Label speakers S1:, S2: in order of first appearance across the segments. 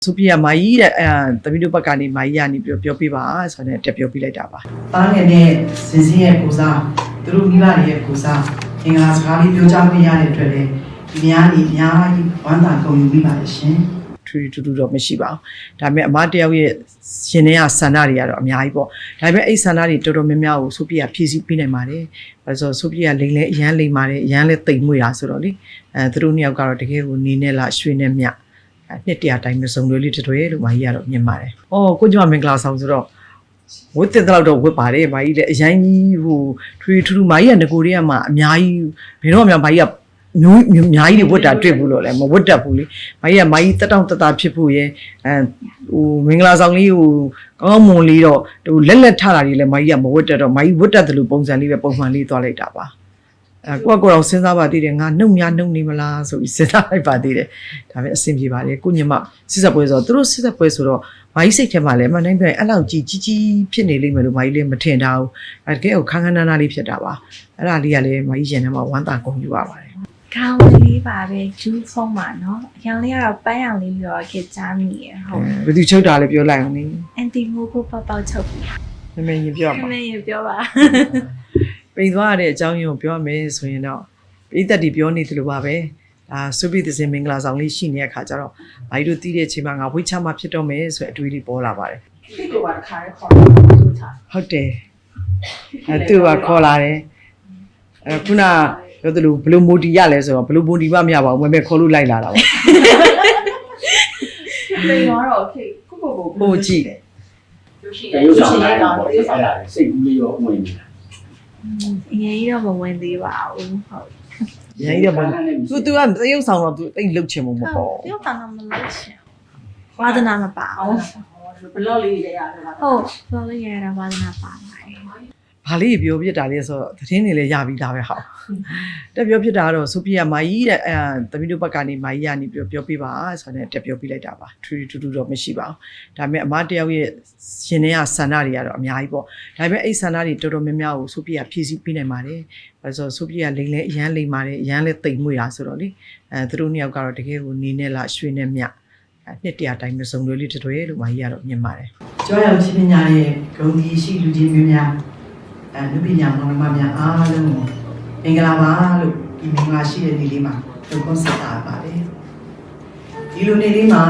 S1: ဆိုပြမာကြီးတဲ့တမီးတို့ဘက်ကနေမာကြီးကနေပြောပြပါဆိုတော့တက်ပြောပြလိုက်တာပါတားငယ်နဲ့စင်စင်းရဲ့ကိုစားသူတို့မိဘတွေရဲ့ကိုစားအင်္ဂါစကားလေးပြောကြားပေးရတဲ့အတွက်လည်းဒီများကြီးဝမ်းသာကုန်ယူပြီးပါရှင်ထူထူတော့မရှိပါဘူးဒါပေမဲ့အမတယောက်ရဲ့ရှင်ထဲကဆန္ဒတွေကတော့အများကြီးပေါ့ဒါပေမဲ့အဲ့ဆန္ဒတွေတော်တော်များများကိုဆိုပြဖြည့်ဆည်းပေးနိုင်ပါတယ်ဘာလို့ဆိုပြလိန်လဲအရန်လိန်ပါတယ်အရန်လဲတိမ်မွေတာဆိုတော့လေသူတို့နှစ်ယောက်ကတော့တကယ်ကိုနေနဲ့လားရွှေနဲ့မြနှစ်တရာတိုင်းမစုံလို့လေးတွဲလို့မာကြီးကတော့မြင်ပါတယ်။အော်ကိုကျွန်မမင်္ဂလာဆောင်ဆိုတော့ဝတ်တဲ့တော့ဝတ်ပါတယ်မာကြီးလည်းအရင်ကြီးဟိုထူမာကြီးကငကိုတွေကမှအများကြီးဘယ်တော့မှမာကြီးကမျိုးအများကြီးတွေဝတ်တာတွေ့ဘူးလို့လည်းမဝတ်တတ်ဘူးလေ။မာကြီးတက်တောင့်တတဖြစ်ဖို့ရဲဟိုမင်္ဂလာဆောင်လေးဟိုကောင်းမွန်လေးတော့ဟိုလက်ထတာတွေလည်းမာကြီးကမဝတ်တတ်တော့မာကြီးဝတ်တတ်တယ်လို့ပုံစံလေးပဲပုံမှန်လေးသွားလိုက်တာပါ။ကိုတော့စဉ်းစားပါသေးတယ်ငါနှုတ်နေမလားဆိုပြီးစဉ်းစားလိုက်ပါသေးတယ်ဒါပေမဲ့အဆင်ပြေပါတယ်ကိုညမစစ်ဆက်ပွဲဆိုတော့သူတို့စစ်ဆက်ပွဲဆိုတော့မာကြီးစိတ်ထဲမှာလည်းမနိုင်ပြန်အဲ့လောက်ကြီးဖြစ်နေလိမ့်မယ်လို့မာကြီးလည်းမထင်တာဘူးတကယ်ကိုခန်းနာလေးဖြစ်တာပါအဲ့ဒါလေးကလည်းမာကြီးရင်ထဲမှာဝမ်းသာကုန်ယူရပါတယ်
S2: ခေါင်းလေးပါပဲဂျူးဖုံးပါနော်အရောင်လေးကတော့ပန်းရောင်လေးပြီးတော့ခေတ်ကြားမိရဟုတ်
S1: ဘယ်သူချုပ်တာလဲပြောလိုက်အောင်နိ
S2: အန်တီမိုးကိုပေါက်ချုပ်ပြီ
S1: မမေရင်ပြောပါ
S2: မမေရင်ပြောပါ
S1: ပိန်သွားရတဲ့အကြောင်းရင်းကိုပြောမယ်ဆိုရင်တော့ပြည်သက်တီပြောနေတယ်လို့ပါပဲစုပိသစင်မင်္ဂလာဆောင်လေးရှိနေတဲ့အခါကျတော့ဘာကြီးတို့တီးတဲ့အချိန်မှာငါဝိချမှာဖြစ်တော့မယ်ဆိုတဲ့အတွေးလေးပေါ်လာပါတယ်
S3: ဒီလိုပါတစ်ခါလေးခေါ်လို့ထား
S1: ဟုတ်တယ်သူကခေါ်လာတယ်ခုနပြောသလိုဘလို့မိုတီရလဲဆိုတော့ဘလို့မိုတီမမရပါဘူးမမေခေါ်လို့လိုက်လာတာပေါ့
S3: လေတော့ခေကို
S1: ပို့ကြည့်
S3: ရုပ်ရှင်လေးကောင်တေးဆောင်တာ
S4: စိတ်ကူးလေးရောဝင်နေတာ
S2: အရင်ကြီးတော့မဝင်သေးပါဘူးဟုတ်
S1: ရရင်တော့သူကသရုပ်ဆောင်တော့သူတိတ်လှုပ်ချင်မှာမပေါ့
S2: သရုပ်ဆောင်တော့မလုပ်ချင်ဝါသနာမပါဘူး
S3: ဘလော့လေးရရတယ်ပါ
S2: ဟုတ်ဘလော့လေးရတာဝါသနာပါပါတယ်
S1: ဘာလေးပြောပြတာလဲဆိုတော့သတင်းတွေလည်းရပြီးသားပဲဟောတက်ပြောပြတာကတော့ဆိုပြမာကြီးတဲ့တမီးတို့ဘက်ကနေမာကြီးကနေပြောပြပါဆိုတော့တက်ပြောပြလိုက်တာပါထူတော့မရှိပါဘူးဒါပေမဲ့အမတယောက်ရဲ့ရှင်ထဲကဆန္ဒတွေကတော့အများကြီးပေါ့ဒါပေမဲ့အဲ့ဆန္ဒတွေတော်တော်များများကိုဆိုပြဖြည့်ဆည်းပေးနိုင်ပါတယ်ဘာလို့ဆိုပြလိန်လဲအရန်လိန်ပါတယ်အရန်လဲတိမ်မွေတာဆိုတော့လေသူတို့နှစ်ယောက်ကတော့တကယ်ကိုနေနဲ့လားရွှေနဲ့မြနှစ်တရာတိုင်းမစုံလို့လေးတွဲလို့မာကြီးကတော့မြင်ပါတယ်ကျောင်းရောက်ချင်းပညာရဲ့ဂုဏ်ကြီးရှိလူချင်းမျိုးများလူပညာမောင်နှမများအားလုံးကိုမင်္ဂလာပါလို့ဒီမင်္ဂလာရှိတဲ့နေ့လေးမှာနှုတ်ခွန်းဆက်တာပါတယ်ဒီလိုနေ့လေးမှာ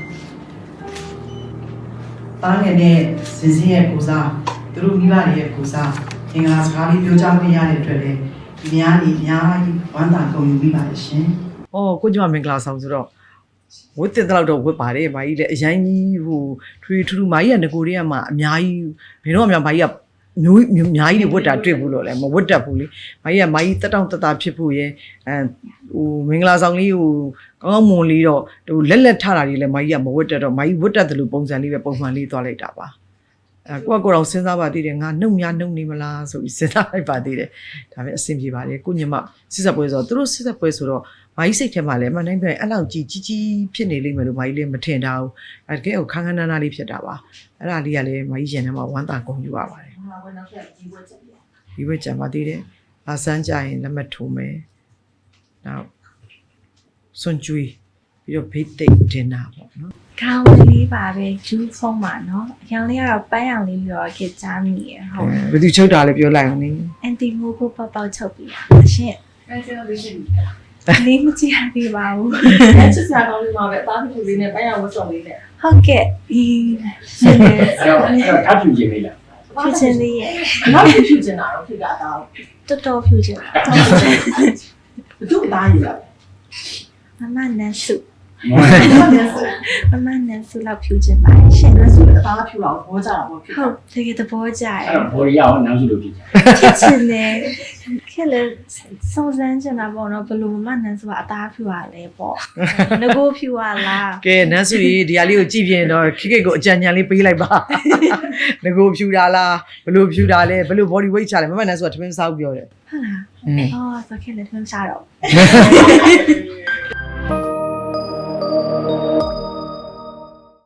S1: တားငယ်နဲ့စင်စင်းရဲ့ကိုစားသူတို့မိဘတွေရဲ့ကိုစားအင်္ဂါစကားလေးပြောကြားပေးရတဲ့အတွက်လည်းဒီများကြီးဝမ်းသာကုန်ယူပြီးပါရှင်။အော်ကိုကျွန်မမင်္ဂလာဆောင်ဆိုတော့ဝတ်တဲ့တော့ဝတ်ပါတယ်မာကြီးလည်းအရင်ကြီးဟိုထူမာကြီးကငကိုတွေကမှအများကြီးဘယ်တော့မှမာကြီးကမျိုးအများကြီးတွေဝတ်တာတွေ့ဘူးလို့လည်းမဝတ်တတ်ဘူးလေမာကြီးတက်တောင့်တတဖြစ်ဖို့ရဲဟိုမင်္ဂလာဆောင်လေးဟိုကောင်းမွန်လေးတော့ဟိုလက်ထတာတွေလည်းမာကြီးကမဝတ်တတ်တော့မာကြီးဝတ်တတ်တယ်လို့ပုံစံလေးပဲပုံမှန်လေးသွားလိုက်တာပါကိုတော့စဉ်းစားပါသေးတယ်ငါနှုတ်နေမလားဆိုပြီးစဉ်းစားလိုက်ပါသေးတယ်ဒါပေမဲ့အဆင်ပြေပါတယ်ကိုညမစစ်ဆက်ပွဲဆိုတော့သူတို့စစ်ဆက်ပွဲဆိုတော့မာကြီးစိတ်ထဲမှာလည်းမနိုင်ပြန်အဲ့လောက်ကြီးဖြစ်နေလိမ့်မယ်လို့မာကြီးလည်းမထင်တာဘူးတကယ်ကိုခန်းနာလေးဖြစ်တာပါအဲ့ဒါလေးကလည်းမာကြီးရင်ထဲမှာဝမ်းသာကုန်ယူရပါတယ်ဒီဘက်ကြံပါသေးတယ်။အဆန်းကြရင်လက်မှတ်ထိုးမယ်။နောက်စွန်ကျွေးပြီးတော့ဘေးတိတ်တင်တာပေါ့နော်
S2: ။ခေါင်းလေးပါပဲဂျူးဖုံးပါနော်။အရောင်လေးကတော့ပန်းရောင်လေးပြီးတော့ခေတ်ကြားမိရဟုတ်
S1: ။ဘယ်သူချုပ်တာလဲပြောလိုက်အောင်နိ
S2: ။အန်တီမိုးကိုပေါက်ချုပ်ပြီ။ရှင့်
S3: ။အဲ့ဒါလေးရှင်း
S2: ။လေးမကြည့်ရသေးပါဘူး
S3: ။အဲ့ချက်စားကောင်းလေးမှာပဲအသားဖြူလေးနဲ့ပန်းရောင်ဝတ်စုံလေးနဲ့
S2: ဟုတ်ကဲ့။ဒီရှင်းတယ်
S4: ။အဲ့တော့ထပ်ဖြူခြင်းလေးလား
S2: ဖြူချင်းလေးရဲ့
S3: နောက်ဖြူချင်တာတော့ဖြစ်ကအသား
S2: တော်ဖြူချင်တာ
S3: ဘသူ့အသားယူလာ
S2: မမနန်းစု
S3: မ
S2: မနန်းစုလောက်ဖြူချင်ပါရှင်
S3: နန်းစုအသားဖြူတော့ဘောကြတာပေါ့
S2: ဟုတ်တကယ်သဘောကျတယ်
S4: အဲ့တော့ဘော်ရီယာရောနန်းစုလို့ဖြစ်ကြ
S2: ဖြစ်ချင်တယ်ခဲ့လေစုံစမ်းချင်တာပေါ့နော်ဘလို့မနန်းစုကအသားဖြူရလဲပေါ့ငကိုဖြူရလား
S1: ကဲနန်းစုကြီးဒီဟာလေးကိုကြည့်ပြရင်တော့ခိကိုအကြံဉာဏ်လေးပေးလိုက်ပါငကိုဖြူတာလားဘလို့ဖြူတာလဲဘလို့ body weight ချလဲမမနန်းစုကထမင်းစားပြောတယ်
S2: ဟုတ်လားအော်ဆိုခဲ့လေထမင်းစားတော့